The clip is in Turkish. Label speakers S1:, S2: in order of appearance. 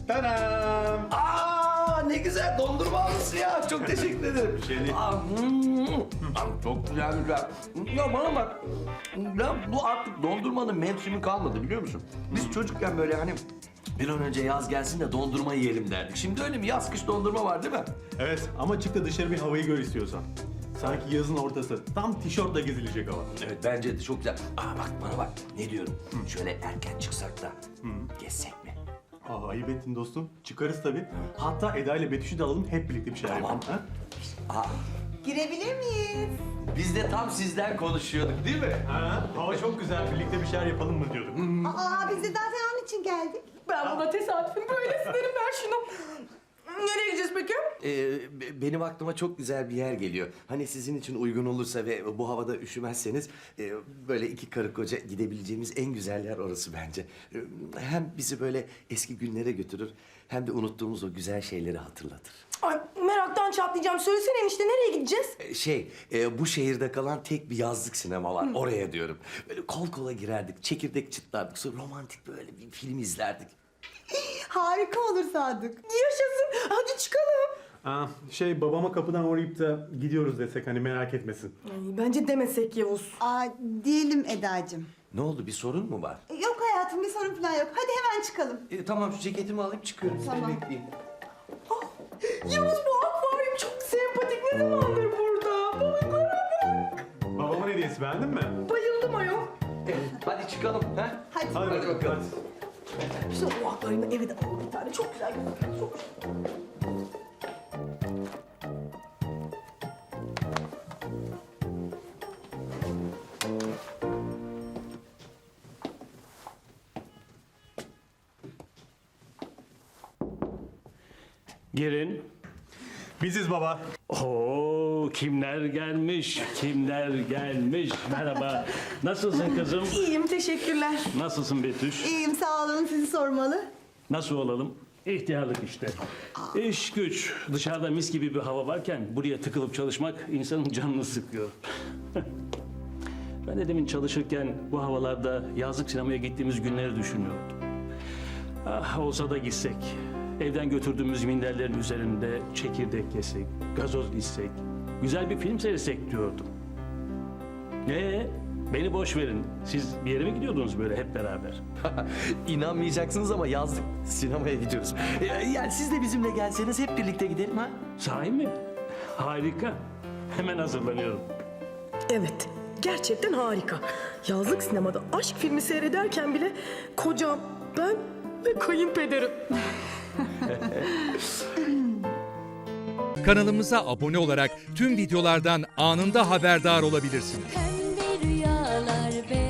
S1: Tadam!
S2: Ne güzel dondurma almışsın ya. Çok teşekkür ederim.
S1: Bir şey değil.
S2: Çok güzelmiş ya. Ya bana bak. Ya bu artık dondurmanın mevsimi kalmadı biliyor musun? Biz çocukken böyle hani bir an önce yaz gelsin de dondurma yiyelim derdik. Şimdi öyle mi? Yaz kış dondurma var değil mi?
S1: Evet ama çık da dışarı bir havayı gör istiyorsan. Sanki yazın ortası. Tam tişörtle gezilecek hava.
S2: Evet bence de çok güzel. Bak bana bak. Ne diyorum? Şöyle erken çıksak da gezsek mi?
S1: Ayıp ettin dostum. Çıkarız tabii. Hatta Eda ile Betüş'ü de alalım hep birlikte bir şeyler
S2: Tamam.
S1: yapalım. Ha?
S3: Girebilir miyiz?
S2: Biz de tam sizden konuşuyorduk değil mi?
S1: Ha, hava çok güzel. Birlikte bir şeyler yapalım mı diyorduk.
S3: Biz de zaten onun için geldik.
S4: Ben buna tesadüfün böylesi derim ben şunu. Nereye gideceğiz peki?
S2: Benim aklıma çok güzel bir yer geliyor. Hani sizin için uygun olursa ve bu havada üşümezseniz böyle iki karı koca gidebileceğimiz en güzel yer orası bence. Hem bizi böyle eski günlere götürür hem de unuttuğumuz o güzel şeyleri hatırlatır.
S4: Ay meraktan çatlayacağım. Söylesene enişte nereye gideceğiz?
S2: Bu şehirde kalan tek bir yazlık sinema var. Oraya diyorum. Böyle kol kola girerdik, çekirdek çıtlardık, sonra romantik böyle bir film izlerdik.
S3: Harika olur Sadık.
S4: Yaşasın. Hadi çıkalım.
S1: Babama kapıdan uğrayıp da gidiyoruz desek hani merak etmesin.
S4: Ay, bence demesek Yavuz.
S3: Diyelim Eda'cığım.
S2: Ne oldu, bir sorun mu var?
S3: Yok hayatım bir sorun falan yok. Hadi hemen çıkalım.
S2: Tamam, şu ceketimi alayım çıkıyorum. Seni
S3: Tamam.
S2: bekleyeyim.
S4: Yavuz bu akvaryum çok sempatik. Ne zamandır burada? Balıklara bak.
S1: Babamın hediyesi beğendin mi?
S4: Bayıldım ayol.
S2: Hadi çıkalım. Ha?
S3: Hadi.
S2: Hadi bakalım.
S4: İşte o akvaryumda eve de alalım bir tane. Çok güzel gözüküyor. Çok
S5: Girin.
S1: Biziz baba.
S5: Oo, kimler gelmiş, kimler gelmiş. Merhaba. Nasılsın kızım?
S4: İyiyim teşekkürler.
S5: Nasılsın Betüş?
S3: İyiyim sağ olun sizi sormalı.
S5: Nasıl olalım? İhtiyarlık işte. İş güç. Dışarıda mis gibi bir hava varken buraya tıkılıp çalışmak insanın canını sıkıyor. Ben de demin çalışırken bu havalarda yazlık sinemaya gittiğimiz günleri düşünüyordum. Ah olsa da gitsek. Evden götürdüğümüz minderlerin üzerinde çekirdek yesek, gazoz içsek, güzel bir film seyretsek diyordum. Beni boş verin. Siz bir yere mi gidiyordunuz böyle hep beraber?
S2: İnanmayacaksınız ama yazdık sinemaya gidiyoruz. Yani siz de bizimle gelseniz hep birlikte gidelim ha?
S5: Sahi mi? Harika. Hemen hazırlanıyorum.
S4: Evet, gerçekten harika. Yazlık sinemada aşk filmi seyrederken bile kocam, ben ve kayınpederim.
S6: Kanalımıza abone olarak tüm videolardan anında haberdar olabilirsiniz.
S7: Pembe rüyalar,